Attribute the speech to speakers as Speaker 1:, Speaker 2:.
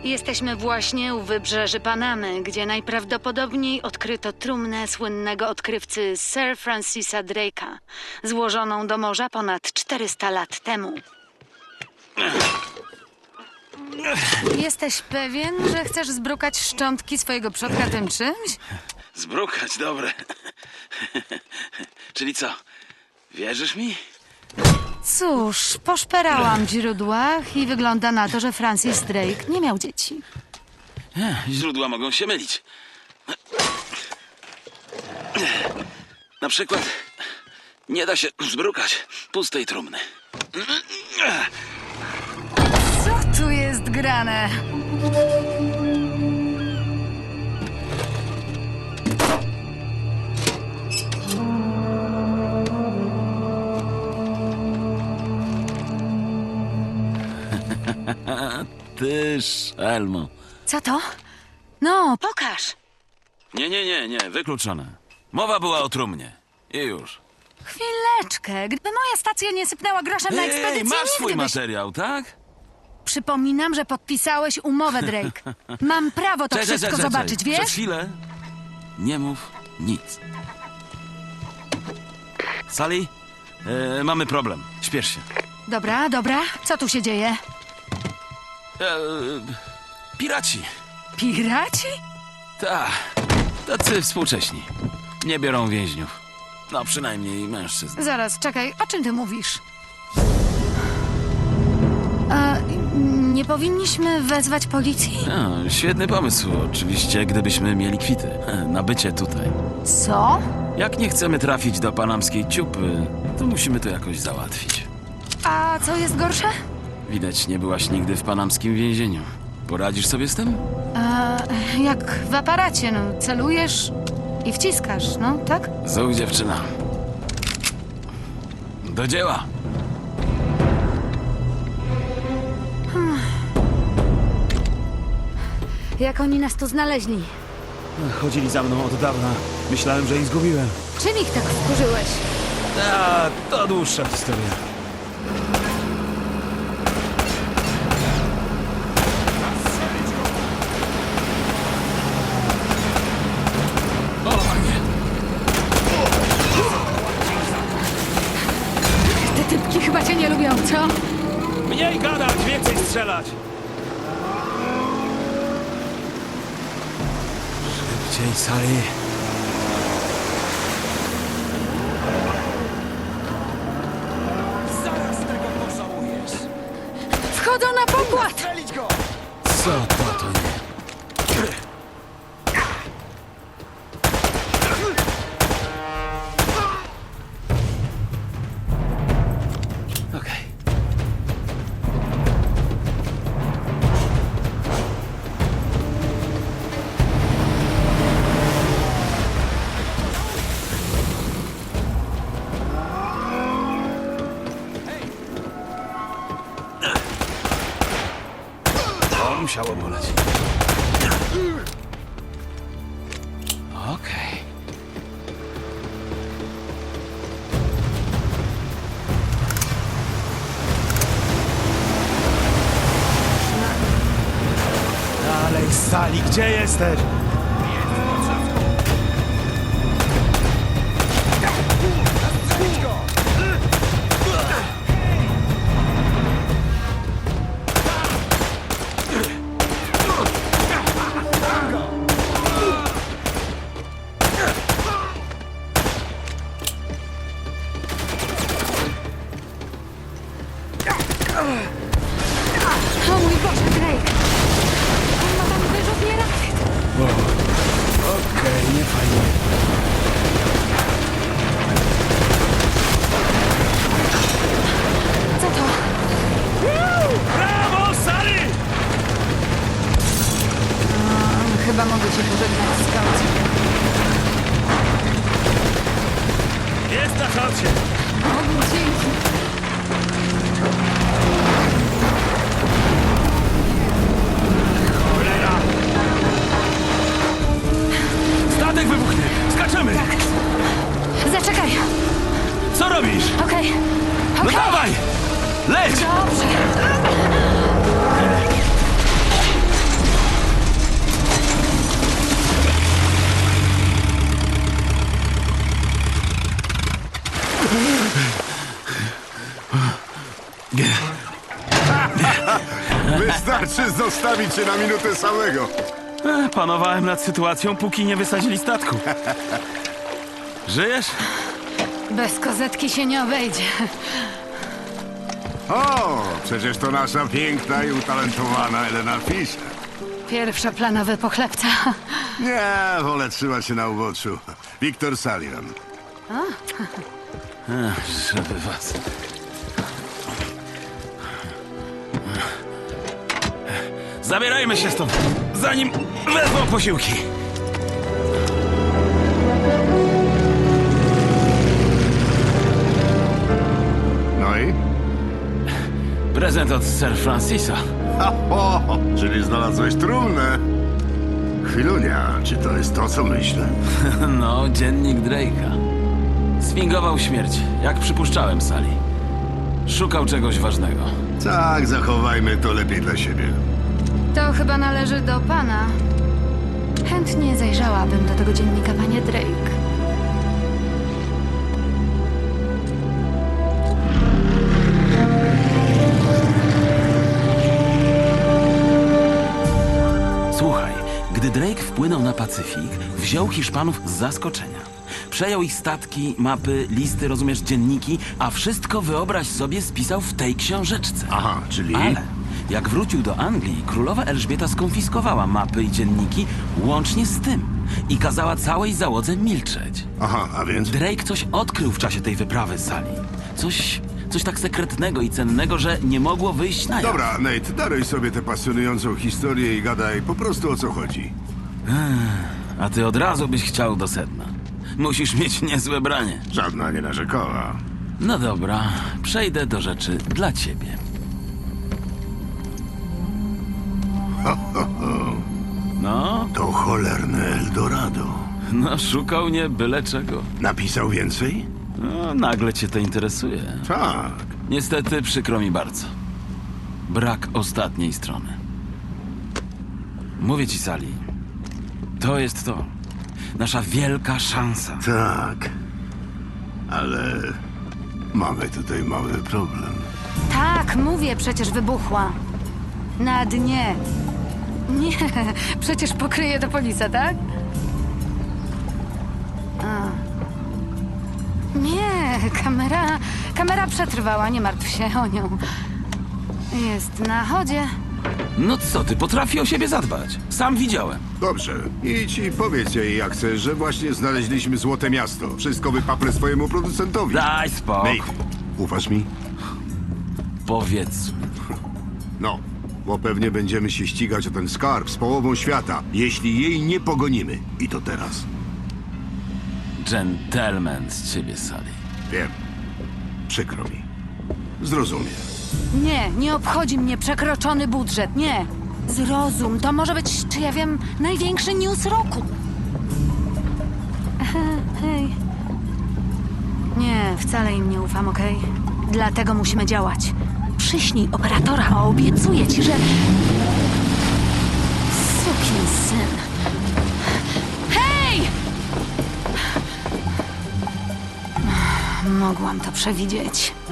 Speaker 1: Jesteśmy właśnie u wybrzeży Panamy, gdzie najprawdopodobniej odkryto trumnę słynnego odkrywcy Sir Francisa Drake'a, złożoną do morza ponad 400 lat temu. Jesteś pewien, że chcesz zbrukać szczątki swojego przodka tym czymś?
Speaker 2: Zbrukać, dobre. Czyli co? Wierzysz mi?
Speaker 1: Cóż, poszperałam w źródłach i wygląda na to, że Francis Drake nie miał dzieci.
Speaker 2: Źródła mogą się mylić. Na przykład nie da się zbrukać pustej trumny.
Speaker 1: Co tu jest grane?
Speaker 2: Ty, szelmo.
Speaker 1: Co to? No, pokaż.
Speaker 2: Nie, wykluczone. Mowa była o trumnie. I już.
Speaker 1: Chwileczkę. Gdyby moja stacja nie sypnęła groszem na ekspedycję,
Speaker 2: masz swój
Speaker 1: nigdy byś...
Speaker 2: materiał, tak?
Speaker 1: Przypominam, że podpisałeś umowę, Drake. Mam prawo to wszystko zobaczyć, wiesz?
Speaker 2: Przez chwilę nie mów nic. Sally, mamy problem. Śpiesz się.
Speaker 1: Dobra, dobra. Co tu się dzieje?
Speaker 2: Piraci.
Speaker 1: Piraci?
Speaker 2: Tak, tacy współcześni. Nie biorą więźniów. No, przynajmniej mężczyzn.
Speaker 1: Zaraz, czekaj. O czym ty mówisz? A, nie powinniśmy wezwać policji?
Speaker 2: Świetny pomysł, oczywiście, gdybyśmy mieli kwity na bycie tutaj.
Speaker 1: Co?
Speaker 2: Jak nie chcemy trafić do panamskiej ciupy, to musimy to jakoś załatwić.
Speaker 1: A co jest gorsze?
Speaker 2: Widać, nie byłaś nigdy w panamskim więzieniu. Poradzisz sobie z tym?
Speaker 1: Jak w aparacie, no. Celujesz i wciskasz, no, tak?
Speaker 2: Zuch, dziewczyna. Do dzieła.
Speaker 1: Jak oni nas tu znaleźli?
Speaker 3: Chodzili za mną od dawna. Myślałem, że ich zgubiłem.
Speaker 1: Czym ich tak wkurzyłeś?
Speaker 3: To dłuższa historia.
Speaker 1: Te typki chyba cię nie lubią, co?
Speaker 3: Mniej gadać, więcej strzelać! Szybciej, Sally.
Speaker 4: Zaraz tego pożałujesz!
Speaker 1: Wchodzą na pokład!
Speaker 4: Strzelić go!
Speaker 2: Co to nie? Okej.
Speaker 3: To musiało boleć.
Speaker 2: Okej.
Speaker 3: Dalej, Sally, gdzie jesteś?
Speaker 4: Strzelić go!
Speaker 1: O mój Boże, Drake! On ma tam wyrzutnie rakiet!
Speaker 3: Okej, nie fajnie.
Speaker 1: Co to?
Speaker 3: Brawo, Sally!
Speaker 1: Chyba mogę cię pożegnać, skaucie.
Speaker 3: Jest na chacie.
Speaker 1: O, dzięki.
Speaker 3: Cholera! Statek wybuchnie! Skaczemy!
Speaker 1: Zaczekaj.
Speaker 3: Co robisz?
Speaker 1: Okej.
Speaker 3: No dawaj! Leć!
Speaker 1: Dobrze.
Speaker 5: Wystarczy zostawić cię na minutę samego.
Speaker 3: Panowałem nad sytuacją, póki nie wysadzili statku. Żyjesz?
Speaker 1: Bez kozetki się nie obejdzie.
Speaker 5: O, przecież to nasza piękna i utalentowana Elena Fischer.
Speaker 1: Pierwszoplanowy pochlebca.
Speaker 5: Nie, wolę trzymać się na uboczu. Wiktor Sullivan.
Speaker 3: Żeby was... Zabierajmy się stąd, zanim wezmą posiłki.
Speaker 5: No i?
Speaker 3: Prezent od Sir Francisa.
Speaker 5: Czyli znalazłeś trumnę. Chwilunia, czy to jest to, co myślę?
Speaker 3: No, dziennik Drake'a. Sfingował śmierć, jak przypuszczałem, Sally. Szukał czegoś ważnego.
Speaker 5: Tak, zachowajmy to lepiej dla siebie.
Speaker 1: To chyba należy do pana. Chętnie zajrzałabym do tego dziennika, panie Drake.
Speaker 6: Słuchaj, gdy Drake wpłynął na Pacyfik, wziął Hiszpanów z zaskoczenia. Przejął ich statki, mapy, listy, rozumiesz, dzienniki, a wszystko, wyobraź sobie, spisał w tej książeczce.
Speaker 5: Aha, czyli...
Speaker 6: Ale jak wrócił do Anglii, królowa Elżbieta skonfiskowała mapy i dzienniki łącznie z tym i kazała całej załodze milczeć.
Speaker 5: Aha, a więc?
Speaker 6: Drake coś odkrył w czasie tej wyprawy, Sally. Coś tak sekretnego i cennego, że nie mogło wyjść na jaw.
Speaker 5: Dobra, Nate, daruj sobie tę pasjonującą historię i gadaj po prostu o co chodzi.
Speaker 3: A ty od razu byś chciał do sedna. Musisz mieć niezłe branie.
Speaker 5: Żadna nie narzekała.
Speaker 3: No dobra, przejdę do rzeczy dla ciebie. No,
Speaker 5: To cholerne Eldorado.
Speaker 3: no szukał nie byle czego.
Speaker 5: Napisał więcej?
Speaker 3: No, nagle cię to interesuje.
Speaker 5: Tak.
Speaker 3: Niestety przykro mi bardzo. Brak ostatniej strony. Mówię ci, Sally. To jest to. Nasza wielka szansa.
Speaker 5: Tak. Ale mamy tutaj mały problem.
Speaker 1: Tak, mówię, przecież wybuchła. Na dnie. Nie, przecież pokryje to polisa, tak? A. Nie, kamera przetrwała, nie martw się o nią. Jest na chodzie.
Speaker 3: No co ty, potrafi o siebie zadbać. Sam widziałem.
Speaker 5: Dobrze. Idź i powiedz jej, jak chcesz, że właśnie znaleźliśmy złote miasto. Wszystko wypaplę swojemu producentowi.
Speaker 3: Daj spokój.
Speaker 5: Nate, ufasz mi?
Speaker 3: Powiedz.
Speaker 5: No, bo pewnie będziemy się ścigać o ten skarb z połową świata, jeśli jej nie pogonimy. I to teraz.
Speaker 3: Gentleman z ciebie, Sally.
Speaker 5: Wiem. Przykro mi. Zrozumiem.
Speaker 1: Nie obchodzi mnie przekroczony budżet, nie. Zrozum, to może być, czy ja wiem, największy news roku. Hej. Nie, wcale im nie ufam, okej? Dlatego musimy działać. Przyśnij operatora, a obiecuję ci, że... Sukinsyn. Hej! Mogłam to przewidzieć.